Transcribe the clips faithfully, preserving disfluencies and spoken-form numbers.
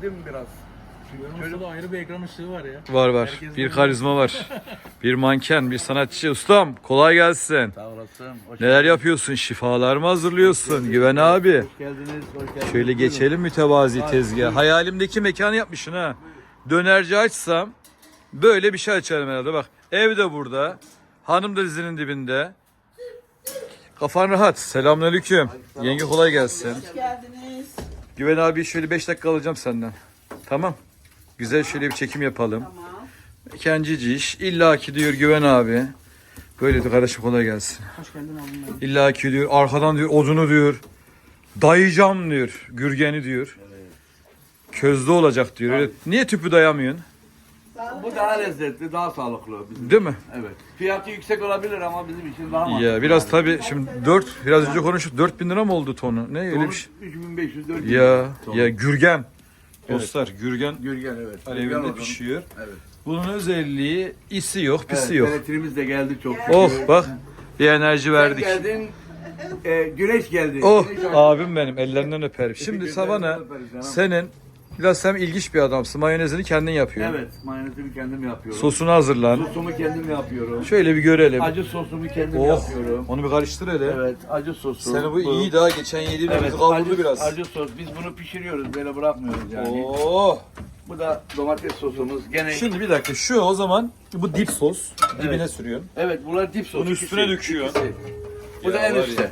değil mi biraz? Çocuk da ayrı bir ekran ışığı var ya. Var var. Herkes Bir de- karizma var. Bir manken, bir sanatçı. Ustam kolay gelsin. Sağ olasın. Hoş Neler geldiniz. yapıyorsun? Şifalar mı hazırlıyorsun? Güven abi. Hoş geldiniz. Hoş geldiniz. Şöyle Buyurun. geçelim mütevazi Hadi, tezgah. buyurun. Hayalimdeki mekanı yapmışsın ha. Dönerci açsam böyle bir şey açarım herhalde. Bak ev de burada. Hanım da dizinin dibinde. Kafan rahat. Selamünaleyküm. Yenge kolay gelsin. Hoş geldiniz. Güven abi şöyle beş dakika alacağım senden. Tamam. Güzel şöyle bir çekim yapalım. Tamam. Kendici iş. İlla ki diyor Güven abi. Böyle diyor kardeşim kolay gelsin. Hoş geldin abim. İlla ki diyor arkadan diyor odunu diyor. Dayayacağım diyor. Gürgeni diyor. Közde olacak diyor. Öyle, niye tüpü dayamıyorsun? Bu daha lezzetli, daha sağlıklı. Bizim. Değil mi? Evet. Fiyatı yüksek olabilir ama bizim için daha mantıklı. Ya biraz tabii şimdi dört biraz önce konuştuk dört bin lira mı oldu tonu? Ne öyle bir şey? üç bin beş yüz dört bin. Ya Ton. ya gürgen. Dostlar gürgen Gürgen evet. Gürgen alevinde odun. pişiyor. Evet. Bunun özelliği isi yok, pisi Evet, yok. elektriğimiz de geldi çok. Oh şükür. bak bir enerji verdik. Sen geldin, e, güneş geldi. Oh Güneş abim benim ellerinden öperim. Şimdi Teşekkür Savana ederim, öperiz canım. senin biraz sen ilginç bir adamsın. Mayonezini kendin yapıyorsun. Evet, mayonezimi kendim yapıyorum. Sosunu hazırlan. Sosumu kendim yapıyorum. Şöyle bir görelim. Acı sosumu kendim Oh yapıyorum. onu bir karıştır hele. Evet, acı sosu. Seni bu iyi daha geçen yediğimiz Evet, kavurdu acı, biraz. acı sos. Biz bunu pişiriyoruz, böyle bırakmıyoruz yani. Oh. Bu da domates sosumuz. Gene Şimdi bir dakika şu o zaman bu dip sos dibine Evet. sürüyorsun. evet, bunlar dip sos. Bunu üstüne ikisi, döküyorsun. ikisi. Bu Ya da en var ya. üstte.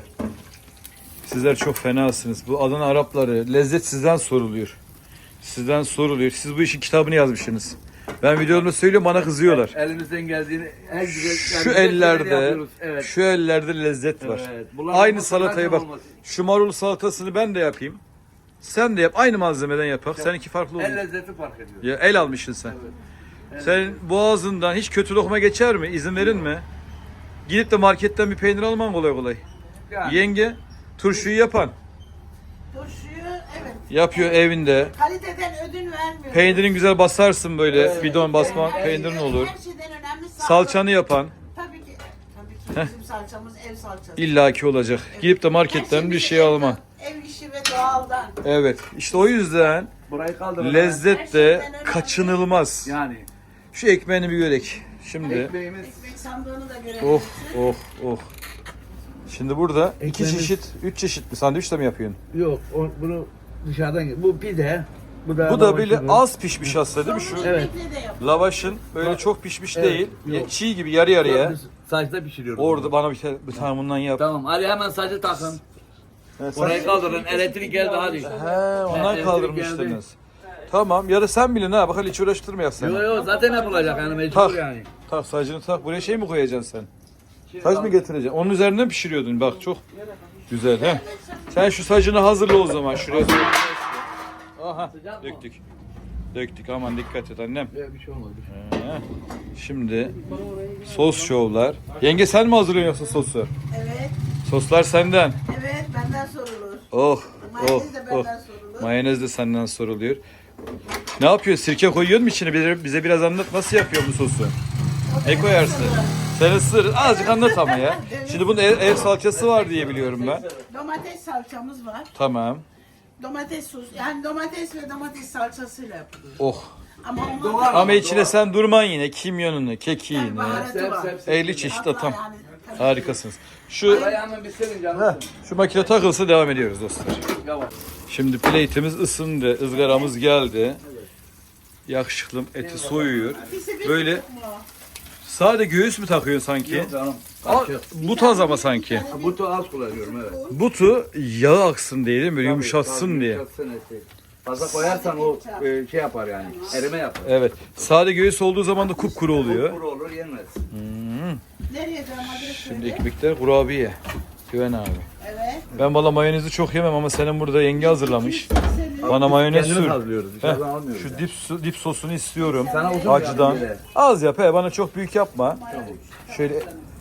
Sizler çok fenasınız. Bu Adana Arapları lezzet sizden soruluyor. Sizden soruluyor. Siz bu işin kitabını yazmışsınız. Ben videolarımda söylüyorum bana kızıyorlar. Elimizden geldiğini en güzel Şu yani güzel ellerde, şeyleri yapıyoruz. Evet. şu ellerde lezzet var. Evet. Bunlar Aynı olmasa salatayı zaten bak. olmaz. Şu marul salatasını ben de yapayım. Sen de yap. Aynı malzemeden yapak. Seninki farklı El olur. lezzeti fark ediyor. Ya el almışsın sen. Evet. Senin boğazından hiç kötü lokma geçer mi? İzin verin mi? Gidip de marketten bir peynir alman kolay kolay. Yani, Yenge turşuyu yapan. Turşuyu evet. Yapıyor evinde. Kaliteden ödün vermiyor. Peynirin güzel basarsın böyle. Evet. Bidon basma Her peynirin şeyden- olur. Her şeyden önemli sağlık. Salçanı yapan Tabii ki. Tabii ki bizim salçamız ev salçası. illaki olacak. Gidip de marketten bir şey alma. Ev işi ve doğaldan. Evet. İşte o yüzden burayı kaldırın. lezzet de kaçınılmaz. Yani Şu ekmeğini bir görek. Şimdi ekmeğimiz Ekmek sandığını da görebilirsin. oh oh oh. Şimdi burada iki Ekmeğimiz- çeşit, üç çeşit mi sandviç de mi yapıyorsun? yok. O, bunu dışarıdan bu pide. Bu da Bu da böyle lavaşımız. az pişmiş aslında değil mi şu? Evet. Ekmekle de yap. Lavaşın böyle Bak- çok pişmiş Evet, değil. yok. Çiğ gibi yarı yarıya. Biz saçta pişiriyoruz. Orada bana bir, tane- bir tane bundan yap. Tamam, hadi hemen saçı takın. He, sen- Orayı kaldırın. Elektrik geldi hadi. He, ondan Evet, kaldırmıştınız. Tamam ya da sen bilin ha. Bak hiç uğraştırma yap sen. Yok yok zaten yapılacak yani mecbur Tak. yani. Tak sacını tak. Buraya şey mi koyacaksın sen? Saç mı getireceksin? Onun üzerinden pişiriyordun. Bak çok güzel he. Sen şu sacını hazırla o zaman şuraya. Aha döktük. Döktük aman dikkat et annem. Yok, bir şey olmadı. He. Şimdi sos şovlar. Yenge sen mi hazırlıyorsun yoksa sosu? Evet. Soslar senden. Evet benden sorulur. Oh oh Mayonez de oh. benden sorulur. Mayonez de senden soruluyor. Ne yapıyor? Sirke koyuyor mu içine? Bize, bize biraz anlat. Nasıl yapıyor bu sosu? Ne koyarsın? Sen ısır. Azıcık anlat ama ya. Şimdi bunun ev, ev salçası var diye biliyorum ben. Domates salçamız var. Tamam. Domates sos. Yani domates ve domates salçasıyla yapılıyor. Oh. Ama onun Doğal. Ama içine sen durman yine. Kimyonunu, kekiğini. baharatı var. Sep, sep. elli çeşit Hatta atam. yani, tabii. Harikasınız. Şu Burayı hemen bitirin canım. şu makine takılsa devam ediyoruz dostlar. Yavaş. Şimdi plate'imiz ısındı. ızgaramız geldi. Yakışıklım eti soyuyor. İkisi bir Böyle tutuk mu? sade göğüs mü takıyorsun sanki? Yok canım. Aa, Açık. but az ama sanki. Ha, butu az kullanıyorum evet. Butu yağı aksın diye değil mi? Böyle Tabii, yumuşatsın tabii, diye. yumuşatsın eti. Fazla koyarsan o e, şey yapar yani. Erime yapar. Evet. Sade göğüs olduğu zaman da kupkuru oluyor. Kuru olur yenmez. Nereye canım? Adres Şimdi söyle. ekmekler kurabiye. Güven abi. Evet. Ben valla mayonezi çok yemem ama senin burada yenge hazırlamış. Senin- Bana mayonez Kendimiz sür. hazırlıyoruz. Heh, Dışarıdan almıyoruz. şu yani. dip, su- dip sosunu istiyorum. Sana uzun Acıdan. bir böyle. Az yap he bana çok büyük yapma. Şöyle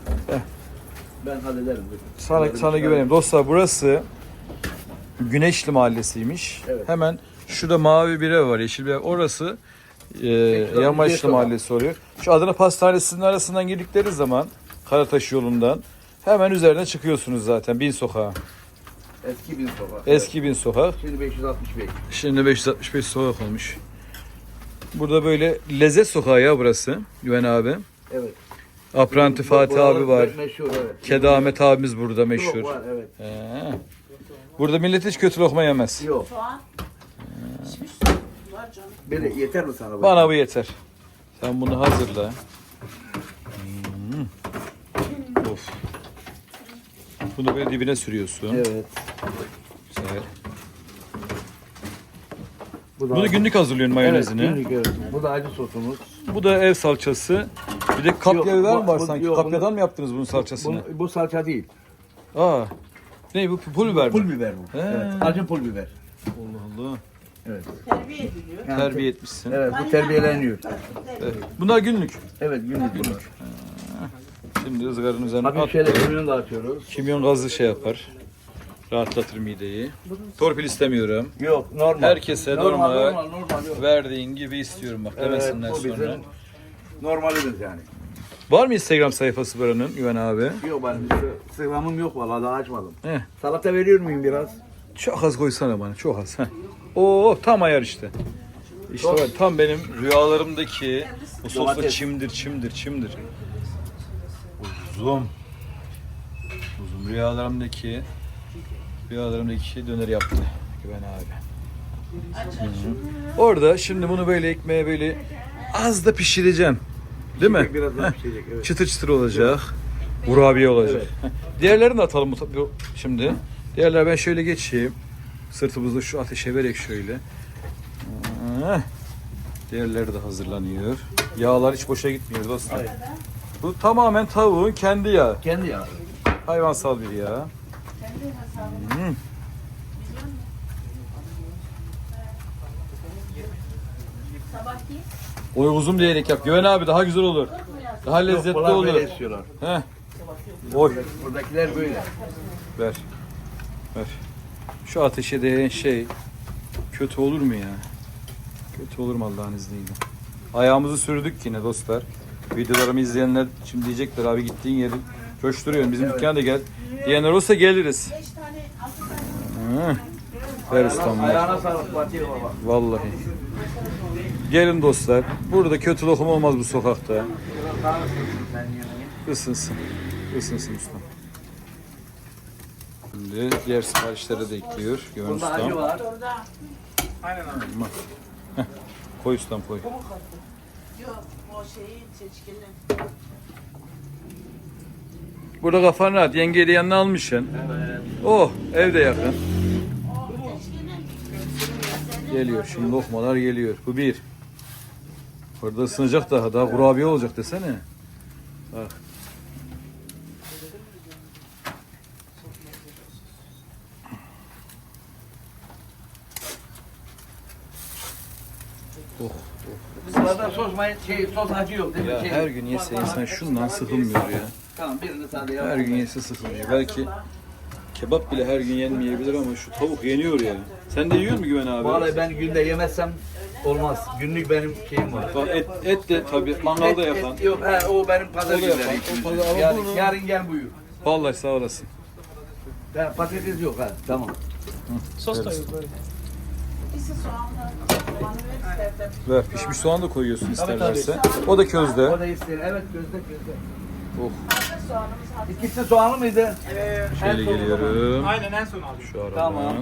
Ben hallederim. dur. sana, Böyle sana bir şey güveneyim. Dostlar burası Güneşli Mahallesi'ymiş. Evet. Hemen şurada mavi bir ev var, yeşil bir ev. Orası e, Yamaçlı Sokak. Mahallesi oluyor. Şu Adana Pastanesi'nin arasından girdikleri zaman Karataş yolundan hemen üzerine çıkıyorsunuz zaten Bin Sokağa. Eski bin sokak. Eski bin sokak. Şimdi beş yüz altmış beş. Şimdi beş yüz altmış beş sokak olmuş. Burada böyle lezzet sokağı ya burası Güven abi. Evet. Apranti Fatih Buralar abi var. Meşhur evet. Kedi Ahmet abimiz burada meşhur. Yok, var evet. He. Burada millet hiç kötü lokma yemez. Yok. Soğan. Pişmiş var canım. Böyle yeter mi sana? bu? Bana bu yeter. Sen bunu hazırla. Hmm. Of. Bunu böyle dibine sürüyorsun. Evet. Güzel. Bu da Bunu günlük hazırlıyorsun mayonezini. Evet, günlük, evet. Bu da acı sosumuz. Bu da ev salçası. Bir de kapya Yok, biber bu- mi var bu- sanki? yok, Kapyadan bunu- mı yaptınız bunun salçasını? Bu, bu salça değil. Aa. Ne bu pul biber mi? Pul biber bu. He. Evet. Acı pul biber. Allah Allah. Evet. Terbiye ediliyor. Yani Terbiye etmişsin. Evet bu terbiyeleniyor. Evet. Bunlar günlük. Evet günlük bunlar. Şimdi ızgaranın üzerine Hafif at. şöyle kimyon da atıyoruz. Kimyon gazı şey yapar. Rahatlatır mideyi. Torpil istemiyorum. Yok normal. Herkese normal, normal normal. Yok. verdiğin gibi istiyorum bak demesinler Evet, bu sonra. bizim normalimiz yani. Var mı Instagram sayfası buranın Güven abi? Yok benim sıramım yok vallahi daha açmadım. Heh. Salata veriyor muyum biraz? Çok az koysana bana çok az. Heh. Oo tam ayar işte. İşte var, tam benim rüyalarımdaki bu sosla Domates. çimdir çimdir çimdir. Uzun. Uzun rüyalarımdaki rüyalarımdaki döner yaptı Güven abi. Hı hı. Orada şimdi bunu böyle ekmeğe böyle az da pişireceğim. Değil mi? Biraz daha Heh. pişecek evet. Çıtır çıtır olacak. Kurabiye olacak. Diğerlerini de atalım bu- bu- şimdi. Diğerler ben şöyle geçeyim. Sırtımızda şu ateşe vererek şöyle. Heh. Diğerleri de hazırlanıyor. Yağlar hiç boşa gitmiyor dostlar. Hayır. Bu tamamen tavuğun kendi yağı. Kendi yağı. Hayvansal bir yağ. Hmm. Sabahki Oy uzun diyerek yap. Güven abi daha güzel olur. Daha lezzetli Yok, bunlar olur. böyle istiyorlar. Heh. Oy. Buradakiler böyle. Ver. Ver. Şu ateşe değen şey kötü olur mu ya? Kötü olur mu Allah'ın izniyle? Ayağımızı sürdük yine dostlar. Videolarımı izleyenler şimdi diyecekler abi gittiğin yeri coşturuyorsun. Bizim Evet. dükkana da gel. Diyenler olsa geliriz. beş tane altı tane. Hı. Ver ustam ver. Ayağına sağlık Fatih baba. Vallahi. Gelin dostlar. Burada kötü lokum olmaz bu sokakta. Biraz daha ısınsın sen yemeği. Isınsın. Isınsın ustam. Şimdi diğer siparişlere de ekliyor. Güven Bunda acı ustam. var. Orada Heh. Koy ustam koy. yok o şeyi seçkili. Burada kafan rahat. Yengeyi de yanına almışsın. Evet. Oh evde yakın. O seçkili. Geliyor. Şimdi lokmalar geliyor. Bu bir. Burada ısınacak daha. Daha kurabiye olacak desene. Bak. Oh. Bunlarda sos, may şey, sos acı yok değil mi? Ya Şey, her gün yese insan şundan sıkılmıyor ya. Tamam birini sade yap. Her gün yese sıkılmıyor. Belki kebap bile her gün yenmeyebilir ama şu tavuk yeniyor ya. Sen de yiyor musun Güven abi? Vallahi ben günde yemezsem olmaz. Günlük benim şeyim var. Bak et, et de tabii mangalda Et- yapan. et yok, he, o benim pazar O da günleri. yapan, ikimiz. o pazar- ama yarın, bunu- yarın gel buyur. Vallahi sağ olasın. Ha, patates yok ha, tamam. Sos da yok böyle. İkisi soğanla. Soğanı ver istersen. Ver pişmiş soğan da koyuyorsun Tabii, isterlerse. O da közde. O da ister, evet gözde gözde. Oh. Hazır soğanımız hazır. İkisi soğanlı mıydı? Evet. Şöyle geliyorum. Aynen en son aldım. Şu aradan. Tamam.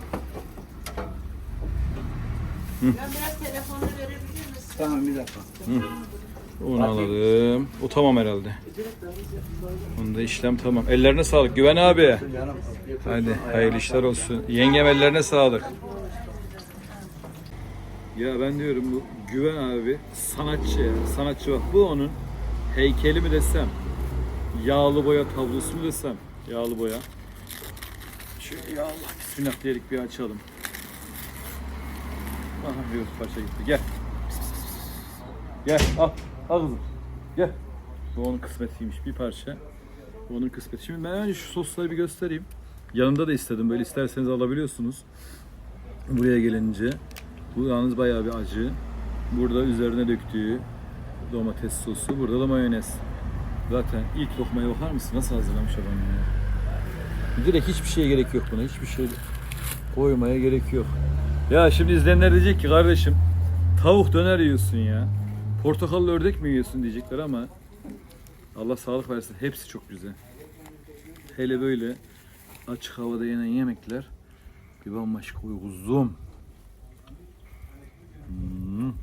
Ben biraz telefonu verebilir misin? Tamam bir dakika. Onu alalım. O tamam herhalde. Bunda işlem tamam. Ellerine sağlık. Güven abi. Canım. Hadi hayırlı işler olsun. Yengem ellerine sağlık. Ya ben diyorum bu Güven abi sanatçı ya. Sanatçı bak. Bu onun heykeli mi desem, yağlı boya tablosu mu desem, yağlı boya. Şöyle ya Allah bismillah diyerek bir açalım. Aha bir parça gitti. Gel. Gel al. Al kızım. Gel. Bu onun kısmetiymiş bir parça. Bu onun kısmeti. Şimdi ben önce şu sosları bir göstereyim. Yanında da istedim. Böyle isterseniz alabiliyorsunuz. Buraya gelince. Bu yalnız bayağı bir acı. Burada üzerine döktüğü domates sosu. Burada da mayonez. Zaten ilk lokmaya bakar mısın? Nasıl hazırlamış adam ya? Direkt hiçbir şeye gerek yok buna. Hiçbir şey koymaya gerek yok. Ya şimdi izleyenler diyecek ki kardeşim tavuk döner yiyorsun ya. Portakallı ördek mi yiyorsun diyecekler ama Allah sağlık versin. Hepsi çok güzel. Hele böyle açık havada yenen yemekler bir bambaşka uzun. Hmm.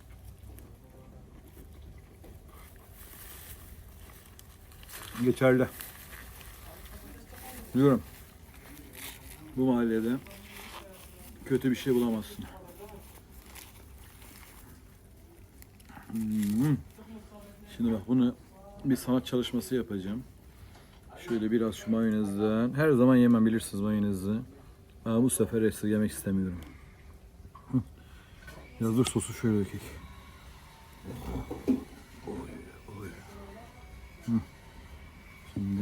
Geçerli. Diyorum. Bu mahallede kötü bir şey bulamazsın. Hmm. Şimdi bak bunu bir sanat çalışması yapacağım. Şöyle biraz şu mayonezden. Her zaman yemem bilirsiniz mayonezi. Ama bu sefer esirgemek istemiyorum. Hı. Biraz dur sosu şöyle dökeyim. Şimdi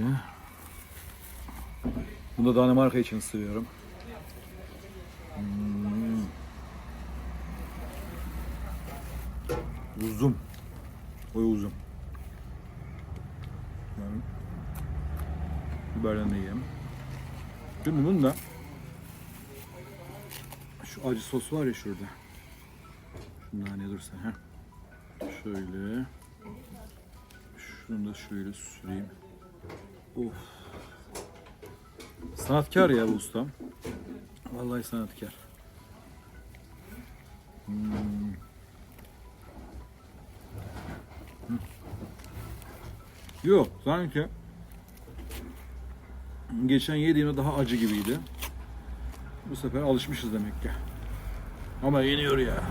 bunu da Danimarka için seviyorum. Hmm. Uzun. Oy uzun. Yani biberden de yiyeyim. Şimdi bunu da şu acı sos var ya şurada. Şundan ne dursa ha. Şöyle. Şunu da şöyle süreyim. Of. Sanatkar ya bu ustam. Vallahi sanatkar. Hmm. Yok sanki geçen yediğimde daha acı gibiydi. Bu sefer alışmışız demek ki. Ama yeniyor ya.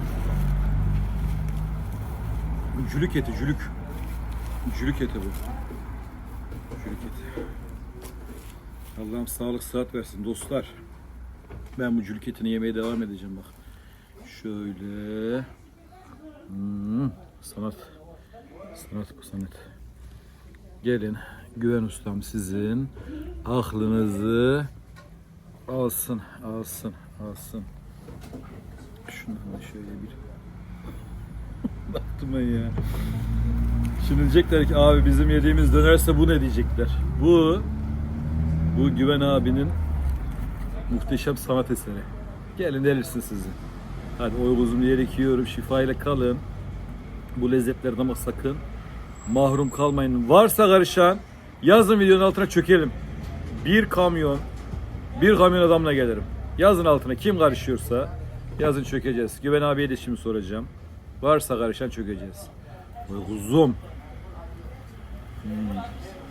Cülük eti, cülük. Cülük eti bu. Cülük eti. Allah'ım sağlık sıhhat versin dostlar. Ben bu cülük etini yemeye devam edeceğim bak. Şöyle. Hmm, sanat. Sanat bu sanat. Gelin Güven ustam sizin aklınızı alsın, alsın, alsın. Şundan da şöyle bir baktım ben ya. Şimdi diyecekler ki abi bizim yediğimiz dönerse bu ne diyecekler. Bu bu Güven abinin muhteşem sanat eseri. Gelin delirsin sizi. Hadi oy kuzum diyerek yiyorum. Şifayla kalın. Bu lezzetlerden ama sakın mahrum kalmayın. Varsa karışan yazın videonun altına çökelim. Bir kamyon, bir kamyon adamla gelirim. Yazın altına kim karışıyorsa yazın çökeceğiz. Güven abiye de şimdi soracağım. Varsa karışan çökeceğiz. Oy kuzum. Hmm.